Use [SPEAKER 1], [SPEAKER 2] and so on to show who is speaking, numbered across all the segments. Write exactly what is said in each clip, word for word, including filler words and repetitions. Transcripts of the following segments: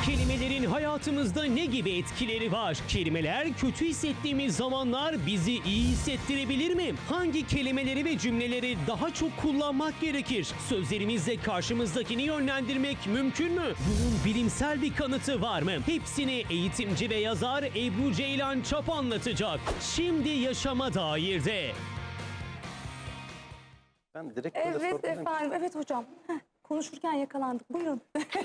[SPEAKER 1] Kelimelerin hayatımızda ne gibi etkileri var? Kelimeler kötü hissettiğimiz zamanlar bizi iyi hissettirebilir mi? Hangi kelimeleri ve cümleleri daha çok kullanmak gerekir? Sözlerimizle karşımızdakini yönlendirmek mümkün mü? Bunun bilimsel bir kanıtı var mı? Hepsini eğitimci ve yazar Ebru Ceylan Çap anlatacak. Şimdi Yaşama Dair'de.
[SPEAKER 2] Ben direkt böyle
[SPEAKER 3] Evet
[SPEAKER 2] sormayayım.
[SPEAKER 3] efendim, evet hocam. Heh, konuşurken yakalandık. Buyurun.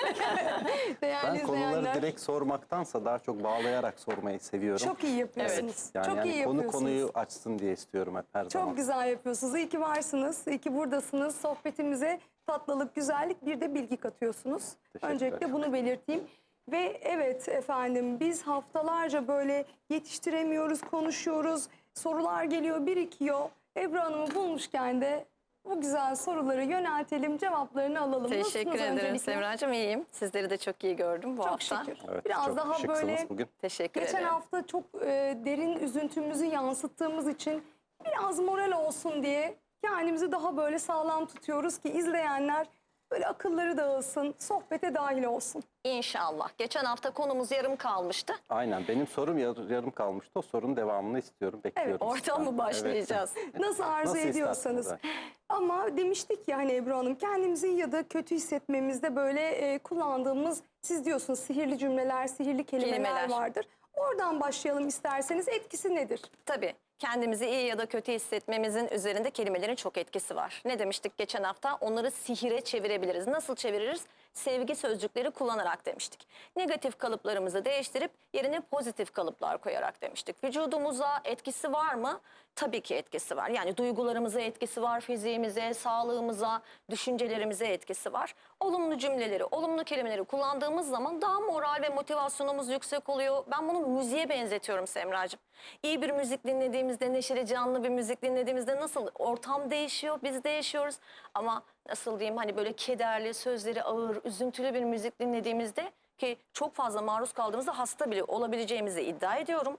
[SPEAKER 3] Değerli
[SPEAKER 2] Ben konuları
[SPEAKER 3] izleyenler.
[SPEAKER 2] direkt sormaktansa daha çok bağlayarak sormayı seviyorum.
[SPEAKER 3] Çok iyi yapıyorsunuz.
[SPEAKER 2] Evet. Yani,
[SPEAKER 3] çok
[SPEAKER 2] yani
[SPEAKER 3] iyi
[SPEAKER 2] konu
[SPEAKER 3] yapıyorsunuz.
[SPEAKER 2] konuyu açsın diye istiyorum hep her
[SPEAKER 3] Çok
[SPEAKER 2] zaman.
[SPEAKER 3] güzel yapıyorsunuz. İyi ki varsınız. İyi ki buradasınız. Sohbetimize tatlılık, güzellik, bir de bilgi katıyorsunuz.
[SPEAKER 2] Teşekkürler.
[SPEAKER 3] Öncelikle bunu belirteyim. Ve evet efendim, biz haftalarca böyle yetiştiremiyoruz, konuşuyoruz. Sorular geliyor, birikiyor. Ebru Hanım'ı bulmuşken de bu güzel soruları yöneltelim, cevaplarını alalım.
[SPEAKER 4] Teşekkür
[SPEAKER 3] Nasılsınız
[SPEAKER 4] ederim
[SPEAKER 3] öncelikle?
[SPEAKER 4] Semracığım, iyiyim. Sizleri de çok iyi gördüm bu
[SPEAKER 3] Çok
[SPEAKER 4] hafta.
[SPEAKER 3] şükür.
[SPEAKER 2] Evet,
[SPEAKER 3] Biraz
[SPEAKER 2] çok
[SPEAKER 3] daha
[SPEAKER 2] şıksınız
[SPEAKER 3] böyle
[SPEAKER 2] bugün.
[SPEAKER 4] Teşekkür
[SPEAKER 3] geçen
[SPEAKER 4] ederim.
[SPEAKER 3] hafta çok e, derin üzüntümüzü yansıttığımız için biraz moral olsun diye kendimizi daha böyle sağlam tutuyoruz ki izleyenler böyle akılları dağılsın, sohbete dahil olsun.
[SPEAKER 4] İnşallah. Geçen hafta konumuz yarım kalmıştı.
[SPEAKER 2] Aynen, benim sorum yar- yarım kalmıştı. O sorunun devamını istiyorum, bekliyorum.
[SPEAKER 3] Evet,
[SPEAKER 4] Oradan
[SPEAKER 2] sizden.
[SPEAKER 4] mı başlayacağız?
[SPEAKER 3] Nasıl arzu
[SPEAKER 2] Nasıl
[SPEAKER 3] ediyorsanız.
[SPEAKER 2] isterseniz,
[SPEAKER 3] Ama demiştik ya hani Ebru Hanım, kendimizi ya da kötü hissetmemizde böyle e, kullandığımız, siz diyorsunuz sihirli cümleler, sihirli kelimeler,
[SPEAKER 4] Kelimeler.
[SPEAKER 3] vardır. Oradan başlayalım isterseniz. Etkisi nedir?
[SPEAKER 4] Tabii. Kendimizi iyi ya da kötü hissetmemizin üzerinde kelimelerin çok etkisi var. Ne demiştik geçen hafta? Onları sihire çevirebiliriz. Nasıl çeviririz? Sevgi sözcükleri kullanarak demiştik. Negatif kalıplarımızı değiştirip yerine pozitif kalıplar koyarak demiştik. Vücudumuza etkisi var mı? Tabii ki etkisi var. Yani duygularımıza etkisi var, fiziğimize, sağlığımıza, düşüncelerimize etkisi var. Olumlu cümleleri, olumlu kelimeleri kullandığımız zaman daha moral ve motivasyonumuz yüksek oluyor. Ben bunu müziğe benzetiyorum Semracığım. İyi bir müzik dinlediğimizde, neşeli canlı bir müzik dinlediğimizde nasıl ortam değişiyor, biz değişiyoruz. Ama nasıl diyeyim, hani böyle kederli, sözleri ağır, üzüntülü bir müzik dinlediğimizde, ki çok fazla maruz kaldığımızda hasta bile olabileceğimizi iddia ediyorum.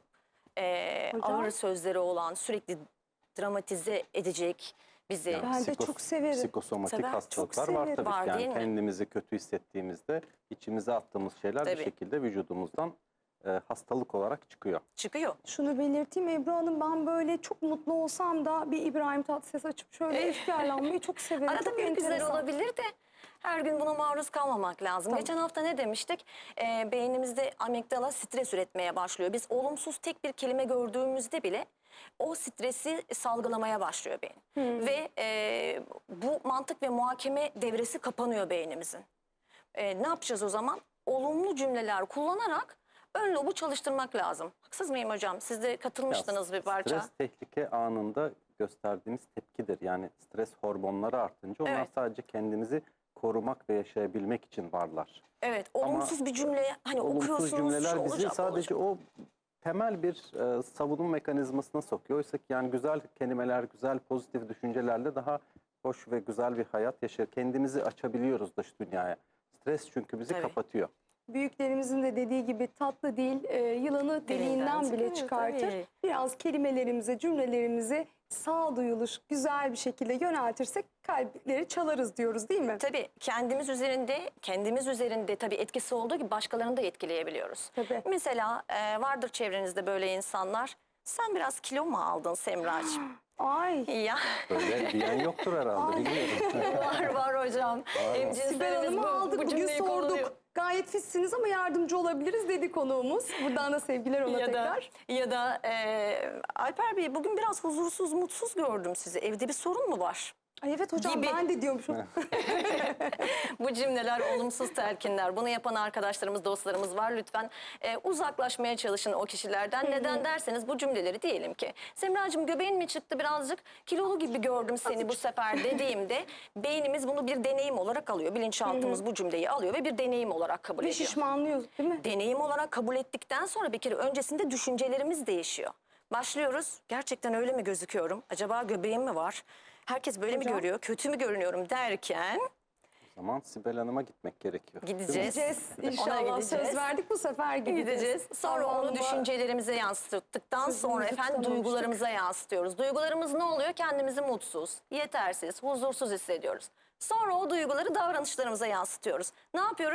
[SPEAKER 4] Ee,
[SPEAKER 3] Hocam?
[SPEAKER 4] ağır sözleri olan, sürekli dramatize edecek bizi.
[SPEAKER 2] Yani
[SPEAKER 3] Ben de
[SPEAKER 2] psikos-
[SPEAKER 3] çok severim.
[SPEAKER 2] Psikosomatik
[SPEAKER 4] Sever,
[SPEAKER 2] hastalıklar
[SPEAKER 3] çok
[SPEAKER 2] var
[SPEAKER 3] severim.
[SPEAKER 2] tabii
[SPEAKER 4] Var,
[SPEAKER 2] ki. Yani
[SPEAKER 4] değil mi?
[SPEAKER 2] kendimizi kötü hissettiğimizde içimize attığımız şeyler
[SPEAKER 4] Tabii.
[SPEAKER 2] bir şekilde vücudumuzdan e, hastalık olarak çıkıyor.
[SPEAKER 4] Çıkıyor.
[SPEAKER 3] Şunu belirteyim Ebru Hanım, ben böyle çok mutlu olsam da bir İbrahim Tatlıses açıp şöyle efkarlanmayı çok severim.
[SPEAKER 4] Arada
[SPEAKER 3] Çok
[SPEAKER 4] bir güzel
[SPEAKER 3] enteresan.
[SPEAKER 4] olabilir de her gün buna maruz kalmamak lazım.
[SPEAKER 3] Tamam.
[SPEAKER 4] Geçen hafta ne demiştik? Ee, beynimizde amigdala stres üretmeye başlıyor. Biz olumsuz tek bir kelime gördüğümüzde bile o stresi salgılamaya başlıyor beyin. Ve e, bu mantık ve muhakeme devresi kapanıyor beynimizin. E, ne yapacağız o zaman? Olumlu cümleler kullanarak ön lobu çalıştırmak lazım. Haksız mıyım hocam? Siz de katılmıştınız
[SPEAKER 2] Ya,
[SPEAKER 4] bir parça.
[SPEAKER 2] Stres tehlike anında gösterdiğimiz tepkidir. Yani stres hormonları artınca onlar
[SPEAKER 4] Evet.
[SPEAKER 2] sadece kendimizi korumak ve yaşayabilmek için varlar.
[SPEAKER 4] Evet, olumsuz bir cümle hani okuyorsunuz,
[SPEAKER 2] Olumsuz
[SPEAKER 4] şu
[SPEAKER 2] cümleler bizi
[SPEAKER 4] olacak,
[SPEAKER 2] sadece
[SPEAKER 4] olacak.
[SPEAKER 2] o temel bir e, savunma mekanizmasına sokuyor. Oysa ki yani güzel kelimeler, güzel pozitif düşüncelerle daha hoş ve güzel bir hayat yaşar. Kendimizi açabiliyoruz dış dünyaya. Stres çünkü bizi
[SPEAKER 4] Tabii.
[SPEAKER 2] kapatıyor.
[SPEAKER 3] Büyüklerimizin de dediği gibi tatlı dil e, yılanı deliğinden bile
[SPEAKER 4] çıkıyor,
[SPEAKER 3] çıkartır.
[SPEAKER 4] tabii.
[SPEAKER 3] Biraz kelimelerimize, cümlelerimize sağduyulu, güzel bir şekilde yöneltirsek kalpleri çalarız diyoruz, değil mi?
[SPEAKER 4] Tabii kendimiz üzerinde, kendimiz üzerinde tabii etkisi olduğu gibi başkalarını da etkileyebiliyoruz.
[SPEAKER 3] Tabii.
[SPEAKER 4] Mesela e, vardır çevrenizde böyle insanlar. Sen biraz kilo mu aldın Semracığım?
[SPEAKER 3] Ay.
[SPEAKER 4] Ya
[SPEAKER 2] Böyle diyen yoktur herhalde, bilmiyorum.
[SPEAKER 4] var var hocam. Hem
[SPEAKER 3] Sibel
[SPEAKER 4] cinslerimiz
[SPEAKER 3] Hanım'ı
[SPEAKER 4] bu-
[SPEAKER 3] aldık,
[SPEAKER 4] bu
[SPEAKER 3] bugün
[SPEAKER 4] cümleyi kullanıyor.
[SPEAKER 3] sorduk. Gayet fitsiniz ama yardımcı olabiliriz dedi konuğumuz. Buradan da sevgiler ona
[SPEAKER 4] Ya da,
[SPEAKER 3] tekrar.
[SPEAKER 4] ya da e, Alper Bey, bugün biraz huzursuz, mutsuz gördüm sizi. Evde bir sorun mu var?
[SPEAKER 3] Ay evet hocam,
[SPEAKER 4] Gibi.
[SPEAKER 3] ben de diyormuşum.
[SPEAKER 4] Bu cümleler olumsuz telkinler. Bunu yapan arkadaşlarımız, dostlarımız var. Lütfen e, uzaklaşmaya çalışın o kişilerden. Neden derseniz bu cümleleri diyelim ki Semracığım göbeğin mi çıktı birazcık, kilolu gibi gördüm seni bu sefer dediğimde beynimiz bunu bir deneyim olarak alıyor. Bilinçaltımız bu cümleyi alıyor ve bir deneyim olarak kabul
[SPEAKER 3] Ve
[SPEAKER 4] ediyor.
[SPEAKER 3] şişmanlıyoruz değil mi?
[SPEAKER 4] Deneyim olarak kabul ettikten sonra bir kere öncesinde düşüncelerimiz değişiyor. Başlıyoruz. Gerçekten öyle mi gözüküyorum? Acaba göbeğim mi var? Herkes böyle
[SPEAKER 3] Hocam?
[SPEAKER 4] mi görüyor? Kötü mü görünüyorum derken
[SPEAKER 2] O zaman Sibel Hanım'a gitmek gerekiyor. Değil mi?
[SPEAKER 4] gideceğiz.
[SPEAKER 3] Gideceğiz.
[SPEAKER 4] Ona
[SPEAKER 3] İnşallah
[SPEAKER 4] gideceğiz.
[SPEAKER 3] söz verdik, bu sefer gideceğiz.
[SPEAKER 4] Gideceğiz. Sonra
[SPEAKER 3] Allah'ıma-
[SPEAKER 4] onu düşüncelerimize yansıttıktan
[SPEAKER 3] Sözümüzü
[SPEAKER 4] sonra efendim
[SPEAKER 3] tutamamıştık.
[SPEAKER 4] duygularımıza yansıtıyoruz. Duygularımız ne oluyor? Kendimizi mutsuz, yetersiz, huzursuz hissediyoruz. Sonra o duyguları davranışlarımıza yansıtıyoruz. Ne yapıyoruz?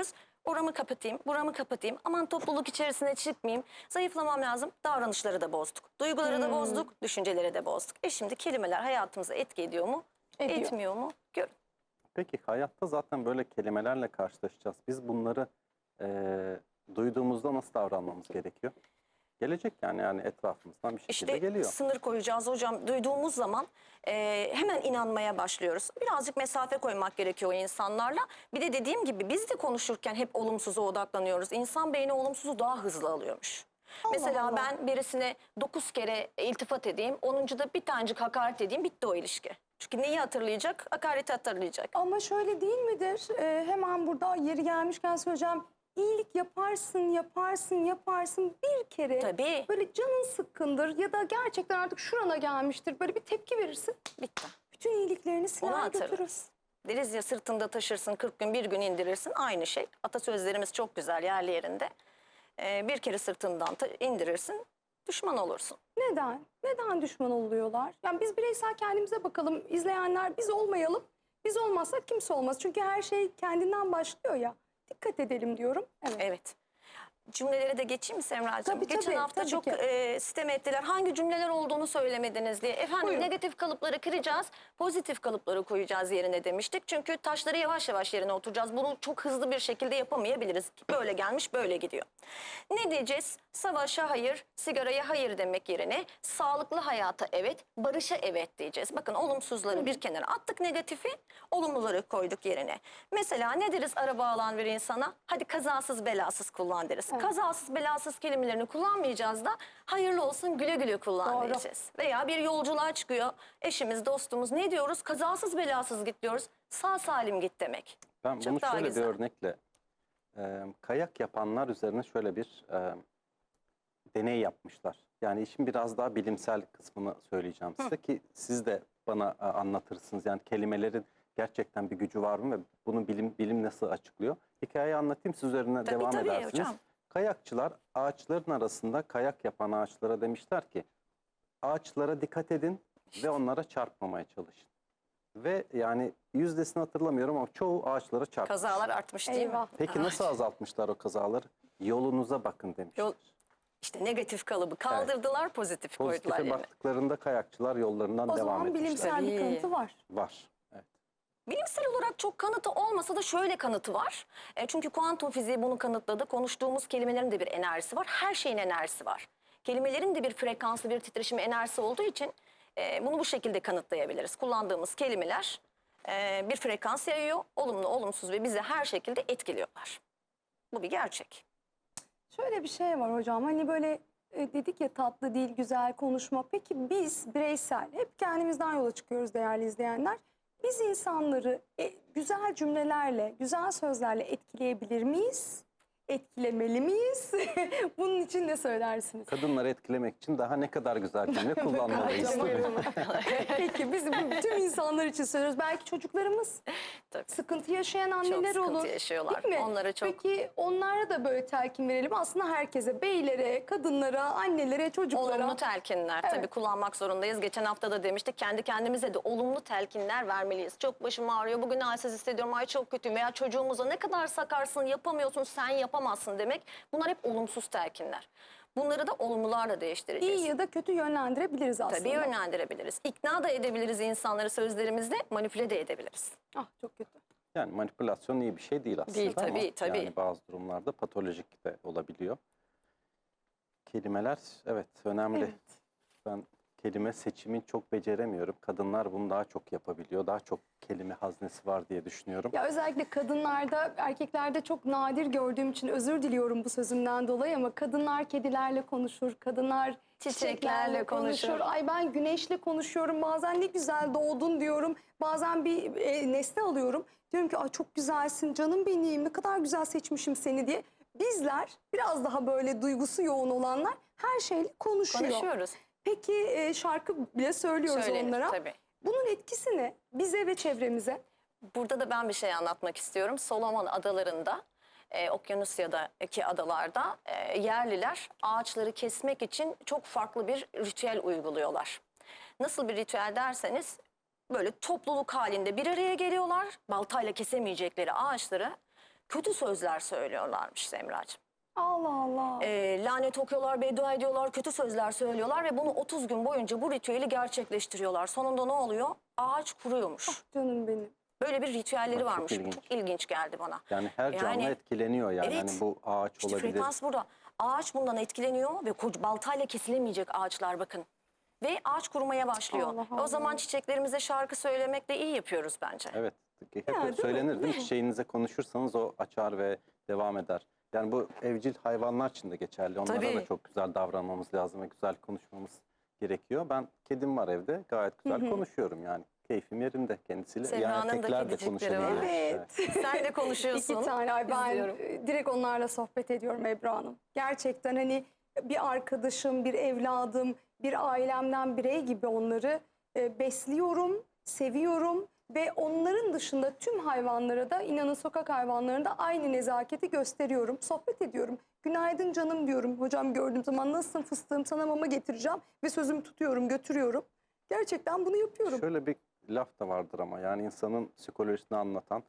[SPEAKER 4] Oramı kapatayım, buramı kapatayım. Aman topluluk içerisine çıkmayayım. Zayıflamam lazım. Davranışları da bozduk. Duyguları da bozduk, düşünceleri de bozduk. E şimdi kelimeler hayatımıza etki ediyor mu?
[SPEAKER 3] Ediyor.
[SPEAKER 4] Etmiyor mu? Görün.
[SPEAKER 2] Peki hayatta zaten böyle kelimelerle karşılaşacağız. Biz bunları eee, duyduğumuzda nasıl davranmamız gerekiyor? Gelecek yani yani etrafımızdan bir şekilde
[SPEAKER 4] İşte
[SPEAKER 2] geliyor.
[SPEAKER 4] sınır koyacağız hocam. Duyduğumuz zaman e, hemen inanmaya başlıyoruz. Birazcık mesafe koymak gerekiyor o insanlarla. Bir de dediğim gibi biz de konuşurken hep olumsuza odaklanıyoruz. İnsan beyni olumsuzu daha hızlı alıyormuş.
[SPEAKER 3] Allah
[SPEAKER 4] Mesela
[SPEAKER 3] Allah.
[SPEAKER 4] ben birisine dokuz kere iltifat edeyim, onuncuda bir tanecik hakaret edeyim, bitti o ilişki. Çünkü neyi hatırlayacak? Hakareti hatırlayacak.
[SPEAKER 3] Ama şöyle değil midir? Ee, hemen burada yeri gelmişken söyleyeceğim. İyilik yaparsın, yaparsın, yaparsın bir kere.
[SPEAKER 4] Tabii.
[SPEAKER 3] Böyle canın sıkkındır ya da gerçekten artık şurana gelmiştir. Böyle bir tepki verirsin.
[SPEAKER 4] Bitti.
[SPEAKER 3] Bütün iyiliklerini
[SPEAKER 4] Onu
[SPEAKER 3] siler götürür.
[SPEAKER 4] hatırlarız. Deriz ya sırtında taşırsın kırk gün bir gün indirirsin, aynı şey. Atasözlerimiz çok güzel yerli yerinde. Ee, bir kere sırtından ta- indirirsin, düşman olursun.
[SPEAKER 3] Neden? Neden düşman oluyorlar? Yani biz bireysel kendimize bakalım. İzleyenler biz olmayalım. Biz olmazsak kimse olmaz. Çünkü her şey kendinden başlıyor ya. Dikkat edelim diyorum. Evet.
[SPEAKER 4] Evet. Cümlelere de geçeyim mi Semra'cığım?
[SPEAKER 3] Tabii,
[SPEAKER 4] Geçen
[SPEAKER 3] tabii,
[SPEAKER 4] hafta
[SPEAKER 3] tabii
[SPEAKER 4] çok
[SPEAKER 3] ki.
[SPEAKER 4] e, sitem ettiler. Hangi cümleler olduğunu söylemediniz diye. Efendim
[SPEAKER 3] Buyurun.
[SPEAKER 4] negatif kalıpları kıracağız, pozitif kalıpları koyacağız yerine demiştik. Çünkü taşları yavaş yavaş yerine oturacağız. Bunu çok hızlı bir şekilde yapamayabiliriz. Böyle gelmiş, böyle gidiyor. Ne diyeceğiz? Savaşa hayır, sigaraya hayır demek yerine sağlıklı hayata evet, barışa evet diyeceğiz. Bakın olumsuzları bir kenara attık, negatifi, olumluları koyduk yerine. Mesela ne deriz araba alan bir insana? Hadi kazasız belasız kullan deriz. Kazasız belasız kelimelerini kullanmayacağız da hayırlı olsun güle güle kullan
[SPEAKER 3] Doğru.
[SPEAKER 4] diyeceğiz. Veya bir yolculuğa çıkıyor eşimiz, dostumuz, ne diyoruz? Kazasız belasız git diyoruz. Sağ salim git demek.
[SPEAKER 2] Ben
[SPEAKER 4] Çok
[SPEAKER 2] bunu
[SPEAKER 4] daha
[SPEAKER 2] şöyle
[SPEAKER 4] güzel.
[SPEAKER 2] bir örnekle e, kayak yapanlar üzerine şöyle bir e, deney yapmışlar. Yani işin biraz daha bilimsel kısmını söyleyeceğim size ki siz de bana e, anlatırsınız. Yani kelimelerin gerçekten bir gücü var mı ve bunu bilim bilim nasıl açıklıyor? Hikayeyi anlatayım, siz üzerine
[SPEAKER 4] Tabii,
[SPEAKER 2] devam
[SPEAKER 4] tabii
[SPEAKER 2] edersiniz.
[SPEAKER 4] hocam.
[SPEAKER 2] Kayakçılar ağaçların arasında kayak yapan ağaçlara demişler ki ağaçlara dikkat edin ve onlara çarpmamaya çalışın. Ve yani yüzdesini hatırlamıyorum ama çoğu ağaçlara çarpmış.
[SPEAKER 4] Kazalar artmış değil
[SPEAKER 3] Eyvah.
[SPEAKER 4] mi?
[SPEAKER 2] Peki nasıl azaltmışlar o kazaları? Yolunuza bakın demişler.
[SPEAKER 4] Yol- İşte negatif kalıbı kaldırdılar, pozitif koydular
[SPEAKER 2] Pozitife
[SPEAKER 4] yerine.
[SPEAKER 2] baktıklarında kayakçılar yollarından
[SPEAKER 3] O
[SPEAKER 2] devam
[SPEAKER 3] zaman
[SPEAKER 2] etmişler.
[SPEAKER 3] bilimsel bir
[SPEAKER 4] Tabii.
[SPEAKER 3] kanıtı var.
[SPEAKER 2] Var. Evet.
[SPEAKER 4] Bilimsel olarak çok kanıtı olmasa da şöyle kanıtı var. E, çünkü kuantum fiziği bunu kanıtladı. Konuştuğumuz kelimelerin de bir enerjisi var. Her şeyin enerjisi var. Kelimelerin de bir frekansı, bir titreşimi, enerjisi olduğu için e, bunu bu şekilde kanıtlayabiliriz. Kullandığımız kelimeler e, bir frekans yayıyor. Olumlu, olumsuz ve bizi her şekilde etkiliyorlar. Bu bir gerçek.
[SPEAKER 3] Şöyle bir şey var hocam. Hani böyle e, dedik ya tatlı dil, güzel konuşma. Peki biz bireysel hep kendimizden yola çıkıyoruz değerli izleyenler. Biz insanları e, güzel cümlelerle, güzel sözlerle etkileyebilir miyiz? Etkilemeli miyiz? Bunun için ne söylersiniz?
[SPEAKER 2] Kadınları etkilemek için daha ne kadar güzel cümle kullanmalıyız.
[SPEAKER 3] Ay,
[SPEAKER 2] tabii.
[SPEAKER 3] buyurun. Peki biz bu tüm insanlar için söylüyoruz. Belki çocuklarımız
[SPEAKER 4] Tabii.
[SPEAKER 3] sıkıntı yaşayan
[SPEAKER 4] Çok
[SPEAKER 3] anneler
[SPEAKER 4] sıkıntı
[SPEAKER 3] olur.
[SPEAKER 4] yaşıyorlar.
[SPEAKER 3] Değil mi?
[SPEAKER 4] Onlara çok
[SPEAKER 3] Peki onlara da böyle telkin verelim. Aslında herkese, beylere, kadınlara, annelere, çocuklara.
[SPEAKER 4] olumlu telkinler
[SPEAKER 3] Evet.
[SPEAKER 4] tabii kullanmak zorundayız. Geçen hafta da demiştik kendi kendimize de olumlu telkinler vermeliyiz. Çok başım ağrıyor, bugün halsiz hissediyorum, ay çok kötüyüm veya çocuğumuza ne kadar sakarsın, yapamıyorsun, sen yapamazsın demek. Bunlar hep olumsuz telkinler. Bunları da olumlularla değiştireceğiz.
[SPEAKER 3] İyi ya da kötü yönlendirebiliriz aslında.
[SPEAKER 4] Tabii yönlendirebiliriz. İkna da edebiliriz insanları sözlerimizle, manipüle de edebiliriz.
[SPEAKER 3] Ah çok kötü.
[SPEAKER 2] Yani manipülasyon iyi bir şey değil aslında
[SPEAKER 4] Değil,
[SPEAKER 2] ama
[SPEAKER 4] tabii, tabii.
[SPEAKER 2] yani bazı durumlarda patolojik de olabiliyor. Kelimeler evet önemli.
[SPEAKER 3] Evet.
[SPEAKER 2] Ben kelime seçimini çok beceremiyorum. Kadınlar bunu daha çok yapabiliyor. Daha çok kelime haznesi var diye düşünüyorum.
[SPEAKER 3] Ya özellikle kadınlarda, erkeklerde çok nadir gördüğüm için özür diliyorum bu sözümden dolayı ama kadınlar kedilerle konuşur, kadınlar
[SPEAKER 4] Çiçeklerle
[SPEAKER 3] çiçeklerle konuşur.
[SPEAKER 4] konuşur.
[SPEAKER 3] Ay ben güneşle konuşuyorum, bazen ne güzel doğdun diyorum. Bazen bir e, nesne alıyorum. Diyorum ki ay çok güzelsin canım benim, ne kadar güzel seçmişim seni diye. Bizler biraz daha böyle duygusu yoğun olanlar her şeyle konuşuyor.
[SPEAKER 4] Konuşuyoruz.
[SPEAKER 3] Peki e, şarkı bile söylüyoruz
[SPEAKER 4] Söylenir
[SPEAKER 3] onlara.
[SPEAKER 4] tabii.
[SPEAKER 3] Bunun etkisi ne bize ve çevremize?
[SPEAKER 4] Burada da ben bir şey anlatmak istiyorum. Solomon adalarında, e, Okyanusya'daki adalarda e, yerliler ağaçları kesmek için çok farklı bir ritüel uyguluyorlar. Nasıl bir ritüel derseniz böyle topluluk halinde bir araya geliyorlar. Baltayla kesemeyecekleri ağaçları kötü sözler söylüyorlarmış Semracığım.
[SPEAKER 3] Allah Allah.
[SPEAKER 4] E, lanet okuyorlar, beddua ediyorlar, kötü sözler söylüyorlar ve bunu otuz gün boyunca bu ritüeli gerçekleştiriyorlar. Sonunda ne oluyor? Ağaç kuruyormuş.
[SPEAKER 3] Canım benim.
[SPEAKER 4] Böyle bir ritüelleri
[SPEAKER 2] Bak, çok
[SPEAKER 4] varmış.
[SPEAKER 2] ilginç.
[SPEAKER 4] Çok ilginç geldi bana.
[SPEAKER 2] Yani her canlı
[SPEAKER 4] Yani-
[SPEAKER 2] etkileniyor yani.
[SPEAKER 4] Evet.
[SPEAKER 2] Hani bu ağaç
[SPEAKER 4] İşte
[SPEAKER 2] olabilir.
[SPEAKER 4] frekans burada. Ağaç bundan etkileniyor ve koca baltayla kesilemeyecek ağaçlar bakın. Ve ağaç kurumaya başlıyor.
[SPEAKER 3] Allah
[SPEAKER 4] E
[SPEAKER 3] Allah.
[SPEAKER 4] O zaman çiçeklerimize şarkı söylemekle iyi yapıyoruz bence.
[SPEAKER 2] Evet. Hep
[SPEAKER 3] Ya, değil mi?
[SPEAKER 2] söylenir değil mi? Çiçeğinize konuşursanız o açar ve devam eder. Yani bu evcil hayvanlar için de geçerli. Onlara
[SPEAKER 4] Tabii.
[SPEAKER 2] da çok güzel davranmamız lazım ve güzel konuşmamız gerekiyor. Ben kedim var evde. Gayet güzel konuşuyorum yani. Keyfim yerinde kendisiyle.
[SPEAKER 4] Semra'nın
[SPEAKER 2] yani
[SPEAKER 4] da
[SPEAKER 2] erkekler de
[SPEAKER 4] kedicikleri
[SPEAKER 2] konuşabiliyor.
[SPEAKER 4] var.
[SPEAKER 3] Evet.
[SPEAKER 4] Sen de konuşuyorsun.
[SPEAKER 3] İki tane. Ay ben
[SPEAKER 4] İzliyorum.
[SPEAKER 3] e, direkt onlarla sohbet ediyorum Ebru Hanım. Gerçekten hani bir arkadaşım, bir evladım, bir ailemden birey gibi onları e, besliyorum, seviyorum. Ve onların dışında tüm hayvanlara da, inanın sokak hayvanlarında aynı nezaketi gösteriyorum. Sohbet ediyorum. Günaydın canım diyorum. Hocam gördüğüm zaman nasılsın fıstığım, sana mama getireceğim. Ve sözümü tutuyorum, götürüyorum. Gerçekten bunu yapıyorum.
[SPEAKER 2] Şöyle bir laf da vardır ama yani insanın psikolojisini anlatan,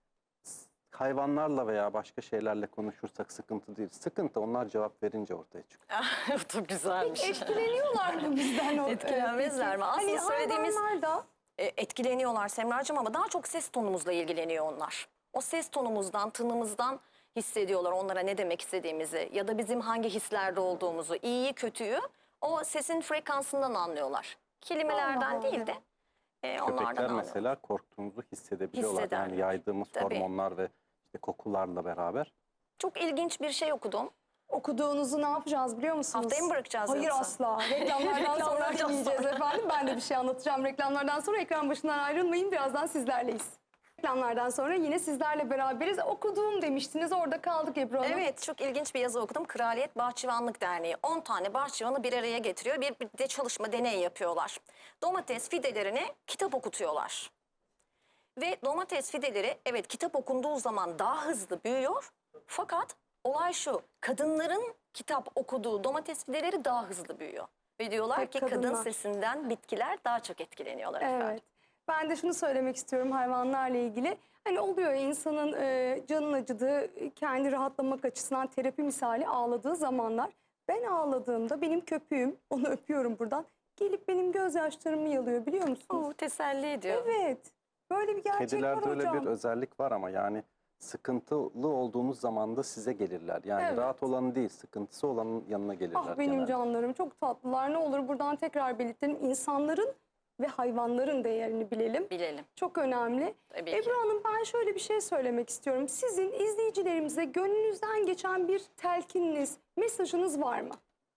[SPEAKER 2] hayvanlarla veya başka şeylerle konuşursak sıkıntı değil. Sıkıntı onlar cevap verince ortaya çıkıyor.
[SPEAKER 4] Çok güzelmiş.
[SPEAKER 3] Etkileniyorlar mı bizden? o-
[SPEAKER 4] Etkilenmezler mi? Aslında
[SPEAKER 3] Hani
[SPEAKER 4] söylediğimiz-
[SPEAKER 3] hayvanlar da
[SPEAKER 4] E, etkileniyorlar Semracığım ama daha çok ses tonumuzla ilgileniyor onlar. O ses tonumuzdan, tınımızdan hissediyorlar onlara ne demek istediğimizi ya da bizim hangi hislerde olduğumuzu, iyiyi kötüyü o sesin frekansından anlıyorlar. Kelimelerden
[SPEAKER 3] Allah
[SPEAKER 4] değil
[SPEAKER 3] Allah.
[SPEAKER 4] de e, onlardan
[SPEAKER 2] Köpekler
[SPEAKER 4] anlıyorlar.
[SPEAKER 2] mesela korktuğumuzu hissedebiliyorlar.
[SPEAKER 4] Hissederler.
[SPEAKER 2] Yani yaydığımız
[SPEAKER 4] Tabii.
[SPEAKER 2] hormonlar ve işte kokularla beraber.
[SPEAKER 4] Çok ilginç bir şey okudum.
[SPEAKER 3] okuduğunuzu ne yapacağız biliyor musunuz?
[SPEAKER 4] Haftaya mı bırakacağız
[SPEAKER 3] Hayır
[SPEAKER 4] yoksa?
[SPEAKER 3] asla. Reklamlardan sonra
[SPEAKER 4] Reklamlardan
[SPEAKER 3] dinleyeceğiz efendim. Ben de bir şey anlatacağım. Reklamlardan sonra ekran başından ayrılmayın. Birazdan sizlerleyiz. Reklamlardan sonra yine sizlerle beraberiz. Okuduğum demiştiniz. Orada kaldık Ebru Hanım.
[SPEAKER 4] Evet, çok ilginç bir yazı okudum. Kraliyet Bahçıvanlık Derneği on tane bahçıvanı bir araya getiriyor. Bir, bir de çalışma, deney yapıyorlar. Domates fidelerine kitap okutuyorlar. Ve domates fideleri evet kitap okunduğu zaman daha hızlı büyüyor. Fakat olay şu, kadınların kitap okuduğu domates fideleri daha hızlı büyüyor. Ve diyorlar
[SPEAKER 3] Hep
[SPEAKER 4] ki kadın
[SPEAKER 3] kadınlar.
[SPEAKER 4] sesinden bitkiler daha çok etkileniyorlar efendim.
[SPEAKER 3] Evet. Ben de şunu söylemek istiyorum hayvanlarla ilgili. Hani oluyor ya, insanın e, canın acıdığı, kendi rahatlamak açısından terapi misali ağladığı zamanlar. Ben ağladığımda benim köpüğüm, onu öpüyorum buradan, gelip benim gözyaşlarımı yalıyor biliyor musunuz?
[SPEAKER 4] Oo, teselli ediyor.
[SPEAKER 3] Evet. Böyle bir gerçek var
[SPEAKER 2] Kedilerde öyle
[SPEAKER 3] hocam.
[SPEAKER 2] bir özellik var ama yani sıkıntılı olduğunuz zaman da size gelirler. Yani
[SPEAKER 3] Evet.
[SPEAKER 2] rahat olanı değil, sıkıntısı olanın yanına gelirler.
[SPEAKER 3] Ah benim
[SPEAKER 2] genelde.
[SPEAKER 3] canlarım çok tatlılar. Ne olur buradan tekrar belirtelim. İnsanların ve hayvanların değerini bilelim.
[SPEAKER 4] Bilelim.
[SPEAKER 3] Çok önemli.
[SPEAKER 4] Tabii ki.
[SPEAKER 3] Ebru Hanım, ben şöyle bir şey söylemek istiyorum. Sizin izleyicilerimize gönlünüzden geçen bir telkininiz, mesajınız var mı?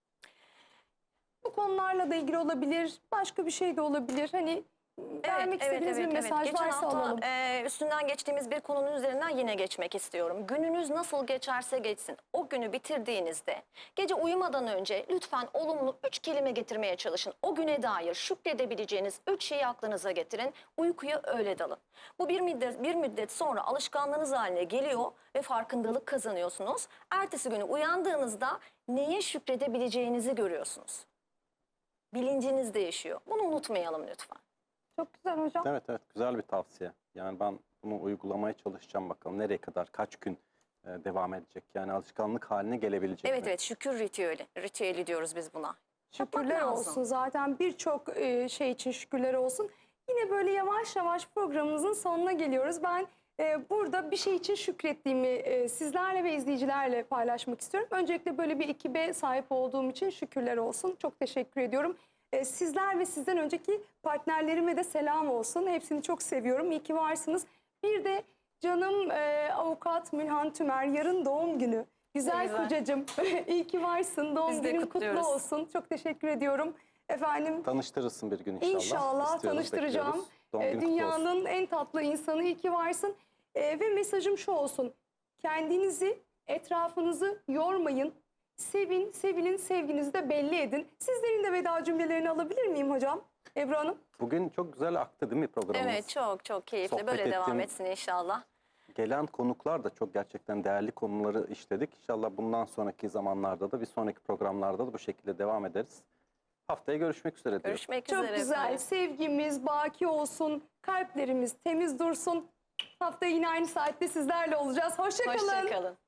[SPEAKER 3] Bu konularla da ilgili olabilir, başka bir şey de olabilir. Hani vermek istediğiniz bir mesaj
[SPEAKER 4] Geçen
[SPEAKER 3] varsa
[SPEAKER 4] hafta
[SPEAKER 3] alalım.
[SPEAKER 4] e, üstünden geçtiğimiz bir konunun üzerinden yine geçmek istiyorum. Gününüz nasıl geçerse geçsin. O günü bitirdiğinizde gece uyumadan önce lütfen olumlu üç kelime getirmeye çalışın. O güne dair şükredebileceğiniz üç şeyi aklınıza getirin. Uykuya öyle dalın. Bu bir müddet, bir müddet sonra alışkanlığınız haline geliyor ve farkındalık kazanıyorsunuz. Ertesi günü uyandığınızda neye şükredebileceğinizi görüyorsunuz. Bilinciniz değişiyor. Bunu unutmayalım lütfen.
[SPEAKER 3] Çok güzel hocam.
[SPEAKER 2] Evet evet, güzel bir tavsiye. Yani ben bunu uygulamaya çalışacağım, bakalım nereye kadar, kaç gün e, devam edecek. Yani alışkanlık haline gelebilecek
[SPEAKER 4] Evet
[SPEAKER 2] mi?
[SPEAKER 4] evet, şükür ritüeli. Ritüeli diyoruz biz buna.
[SPEAKER 3] Şükürler
[SPEAKER 4] Yapmak lazım.
[SPEAKER 3] olsun. Zaten birçok e, şey için şükürler olsun. Yine böyle yavaş yavaş programımızın sonuna geliyoruz. Ben e, burada bir şey için şükrettiğimi e, sizlerle ve izleyicilerle paylaşmak istiyorum. Öncelikle böyle bir ekibe sahip olduğum için şükürler olsun. Çok teşekkür ediyorum. E, sizler ve sizden önceki partnerlerime de selam olsun. Hepsini çok seviyorum. İyi ki varsınız. Bir de canım e, avukat Mülhan Tümer, yarın doğum günü. Güzel,
[SPEAKER 4] Güzel.
[SPEAKER 3] kocacığım. İyi ki varsın. Doğum
[SPEAKER 4] Biz de
[SPEAKER 3] günün kutlu
[SPEAKER 4] kutluyoruz.
[SPEAKER 3] olsun. Çok teşekkür ediyorum. Efendim,
[SPEAKER 2] Tanıştırırsın bir gün inşallah.
[SPEAKER 3] İnşallah
[SPEAKER 2] İstiyoruz,
[SPEAKER 3] tanıştıracağım.
[SPEAKER 2] bekliyoruz. Doğum
[SPEAKER 3] Ee,
[SPEAKER 2] günün kutlu olsun.
[SPEAKER 3] dünyanın en tatlı insanı, iyi ki varsın. Ee, ve mesajım şu olsun. Kendinizi, etrafınızı yormayın. Sevin, sevilin, sevginizi de belli edin. Sizlerin de veda cümlelerini alabilir miyim hocam? Ebru Hanım.
[SPEAKER 2] Bugün çok güzel aktı değil mi programımız?
[SPEAKER 4] Evet, çok çok keyifli.
[SPEAKER 2] Sohbet
[SPEAKER 4] Böyle devam
[SPEAKER 2] ettim.
[SPEAKER 4] etsin inşallah.
[SPEAKER 2] Gelen konuklar da çok gerçekten değerli konuları işledik. İnşallah bundan sonraki zamanlarda da, bir sonraki programlarda da bu şekilde devam ederiz. Haftaya görüşmek üzere diyorum.
[SPEAKER 4] Görüşmek
[SPEAKER 3] Çok
[SPEAKER 4] üzere
[SPEAKER 3] güzel.
[SPEAKER 4] efendim.
[SPEAKER 3] Sevgimiz baki olsun. Kalplerimiz temiz dursun. Haftaya yine aynı saatte sizlerle olacağız. Hoşça kalın.
[SPEAKER 4] Hoşça kalın.